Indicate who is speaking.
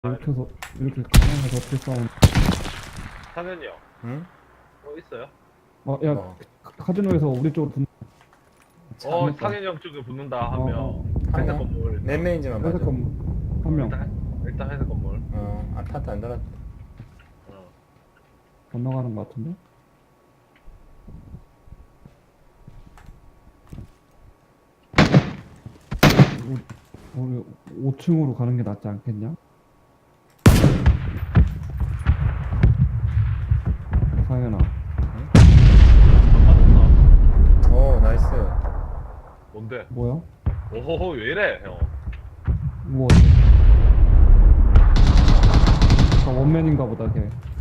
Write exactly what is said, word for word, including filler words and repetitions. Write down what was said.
Speaker 1: 이렇게 해서 이렇게 가만해서 어떻게 싸우는?
Speaker 2: 상현이 형,
Speaker 3: 응?
Speaker 2: 뭐 있어요?
Speaker 1: 어, 야,
Speaker 3: 뭐?
Speaker 1: 카지노에서 우리 쪽으로 분.
Speaker 2: 어,
Speaker 1: 잘못다.
Speaker 2: 상현이 형 쪽에 붙는다
Speaker 1: 어,
Speaker 2: 하면
Speaker 1: 어.
Speaker 2: 회색
Speaker 3: 하나?
Speaker 2: 건물.
Speaker 3: 몇 명인지만
Speaker 1: 회색
Speaker 3: 봐줘.
Speaker 1: 건물 한 명
Speaker 2: 일단, 일단 회색 건물.
Speaker 3: 어, 아파트 안 들어갔다.
Speaker 2: 어.
Speaker 1: 건너가는 것 같은데? 우리, 우리 오 층으로 가는 게 낫지 않겠냐? 상현아,
Speaker 2: 맞았다.
Speaker 3: 오, 나이스.
Speaker 2: 뭔데?
Speaker 1: 뭐야?
Speaker 2: 오호호, 왜 이래, 형?
Speaker 1: 우와. 저 원맨인가 보다 걔.